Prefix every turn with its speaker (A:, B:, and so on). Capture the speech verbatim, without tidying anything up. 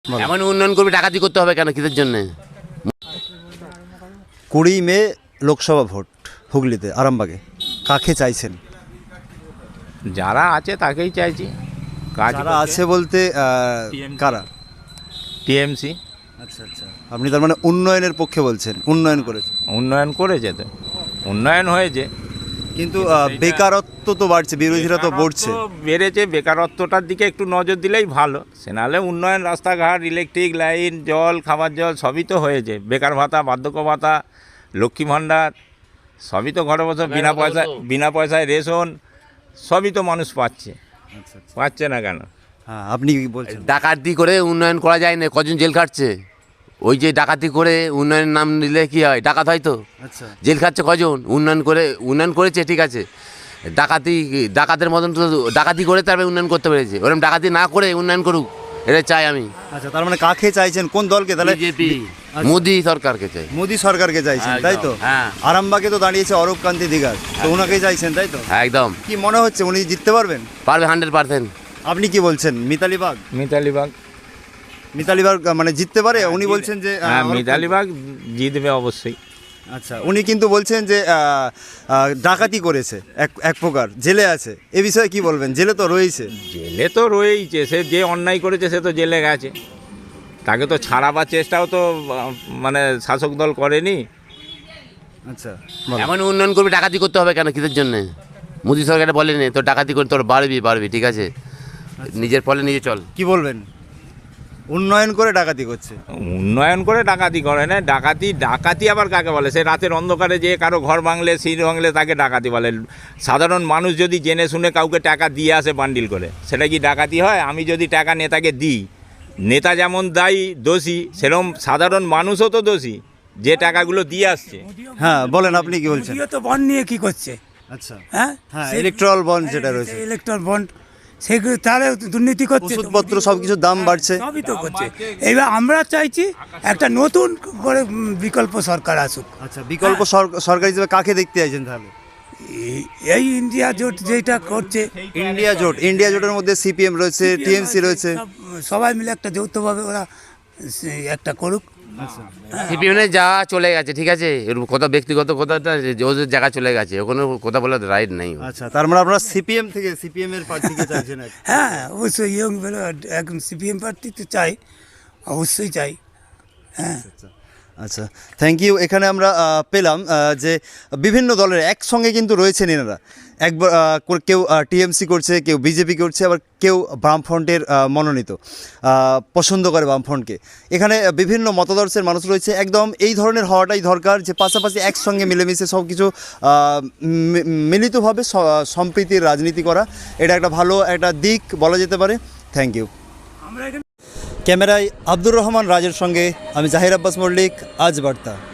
A: এমন উন্নয়ন করবে, ডাকাতি করতে হবে কেন, কিসের জন্য?
B: কুড়ি মে লোকসভা ভোট হুগলিতে আরামবাগে, কাকে চাইছেন?
C: যারা আছে তাকেই চাইছি। কাজ
B: যারা আছে বলতে আহ, কারা?
C: টিএমসি
B: আচ্ছা আচ্ছা, আপনি তার মানে উন্নয়নের পক্ষে বলছেন, উন্নয়ন করেছে
C: উন্নয়ন করেছে, তো উন্নয়ন হয়েছে,
B: কিন্তু আহ, বেকারত্ব তো বাড়ছে, বিরোধীরা তো বলছে।
C: বেকারত্ব বেড়েছে। বেকারত্বটার দিকে একটু নজর দিলেই ভালো। সে নাহলে উন্নয়ন, রাস্তাঘাট, ইলেকট্রিক লাইন, জল, খাবার জল সবই তো হয়েছে। বেকার ভাতা, বার্ধক্য ভাতা, লক্ষ্মী ভাণ্ডার সবই তো ঘরে বসে বিনা পয়সায়, বিনা পয়সায় রেশন সবই তো মানুষ পাচ্ছে। পাচ্ছে না কেন?
B: হ্যাঁ, আপনি কি বলছেন?
A: ডাকাতি করে উন্নয়ন করা যায় না, কজন জেল খাটছে? ওই যে ডাকাতি করে উন্নয়নের নাম নিলে কি হয়? ডাকাত হয় তো।
B: আচ্ছা,
A: জেল খাচ্ছে কজন? উন্নয়ন করে, উন্নয়ন করেছে ঠিক আছে, ডাকাতি, ডাকাতের মতন তো ডাকাতি করে তারপরে উন্নয়ন করতে পেরেছে। ওরকম ডাকাতি না করে উন্নয়ন করুক, এটা চাই আমি।
B: আচ্ছা, তার মানে কাকে চাইছেন, কোন দলকে? তাহলে
A: বিজেপি, মোদি সরকারকে চাই।
B: মোদি সরকারকে চাইছেন, তাই তো?
A: হ্যাঁ।
B: আরামবাগে তো দাঁড়িয়েছে অরূপ কান্তি দিগার, তো ওনাকেই চাইছেন, তাই তো?
A: হ্যাঁ একদম
B: কি মনে হচ্ছে উনি জিততে পারবেন?
A: পারবে, হান্ড্রেড পার্সেন্ট।
B: আপনি কি বলছেন? মিতালি বাগ,
C: মিতালি বাগ,
B: মিতালি বাগ মানে জিততে পারে? উনি বলছেন যে আহ,
C: হ্যাঁ
B: অরূপ
C: মিতালি বাগ জিতবে অবশ্যই।
B: কান্তি- আচ্ছা, উনি কিন্তু বলছেন যে আহ, আহ, ডাকাতি করেছে, এক এক প্রকার জেলে আছে, এ বিষয়ে কি বলবেন? জেলে তো রয়েছে।
C: জেলে তো রয়েইছে, সে যে অন্যায় করেছে সে তো জেলে গেছে, তাকে তো ছাড়াবার চেষ্টাও তো আহ, মানে শাসক দল করেনি।
B: আচ্ছা,
A: এমন উন্নয়ন করবে, ডাকাতি করতে হবে কেন, কিসের জন্য? মোদি সরকার বলেনি তো ডাকাতি করে তোর বাড়বি বাড়বি, ঠিক আছে, নিজের ফলে নিজে চল।
B: কি বলবেন? উন্নয়ন করে ডাকাতি করছে।
C: উন্নয়ন করে ডাকাতি করে না। ডাকাতি, ডাকাতি আবার কাকে বলে? সে রাতের অন্ধকারে যে কারো ঘর ভাঙলে, সিট ভাঙলে তাকে ডাকাতি বলে। সাধারণ মানুষ যদি জেনে শুনে কাউকে টাকা দিয়ে আসে বান্ডিল করে, সেটা কি ডাকাতি হয়? আমি যদি টাকা নেতাকে দিই, নেতা যেমন দায়ী দোষী, সেরকম সাধারণ মানুষও তো দোষী যে টাকাগুলো দিয়ে আসছে।
B: হ্যাঁ বলেন, আপনি কি বলছেন?
D: মোদিও তো বন্ড নিয়ে কি করছে?
B: আচ্ছা,
D: হ্যাঁ
B: হ্যাঁ, ইলেকট্রাল বন্ড যেটা রয়েছে,
D: ইলেকট্রাল বন্ড, সেগুলো তাহলে দুর্নীতি করছে তো।
B: ওষুধপত্র সব কিছুর দাম বাড়ছে।
D: সবই তো করছে। এইবার আমরা চাইছি একটা নতুন করে উম, বিকল্প সরকার আসুক।
B: আচ্ছা, বিকল্প সর- সরকার হিসেবে কাকে দেখতে চাইছেন তাহলে?
D: এই- এই ইন্ডিয়া জোট যেটা করছে,
B: ইন্ডিয়া জোট, ইন্ডিয়া জোটের মধ্যে সিপিএম রয়েছে, টিএমসি রয়েছে।
D: সব- সবাই মিলে একটা যৌথভাবে ওরা সে- একটা করুক।
A: সিপিএমে যা চলে গেছে, ঠিক আছে, এর কথা ব্যক্তিগত কথাটা, ওদের জায়গা চলে গেছে, ওখানে কথা বলার রাইট নেই।
B: আচ্ছা, তার মানে আপনারা সিপিএম থেকে, সিপিএম এর প্রার্থীকে চাইছেন আর কি।
D: হ্যাঁ অবশ্যই, ইয়ং বেলো একদম সিপিএম পার্টি তো চাই, অবশ্যই চাই। হ্যাঁ,
B: আচ্ছা, থ্যাংক ইউ। এখানে আমরা আহ, পেলাম আহ, যে বিভিন্ন দলের একসঙ্গে কিন্তু রয়েছেন এনারা। একবার আহ, কো- কেউ টিএমসি করছে, কেউ বিজেপি করছে, আবার কেউ বামফ্রন্টের আহ, মনোনীত, আহ, পছন্দ করে বামফ্রন্টকে। এখানে আহ, বিভিন্ন মতাদর্শের মানুষ রয়েছে। একদম এই ধরনের হওয়াটাই দরকার, যে পাশাপাশি একসঙ্গে মিলেমিশে সব কিছু আহ, মি- মিলিতভাবে স- সম্প্রীতির রাজনীতি করা, এটা একটা ভালো একটা দিক বলা যেতে পারে। Thank you.
D: আমরা এখানে
B: ক্যামেরায় আব্দুর রহমান রাজের সঙ্গে আমি জাহির আব্বাস মল্লিক, আজ বার্তা।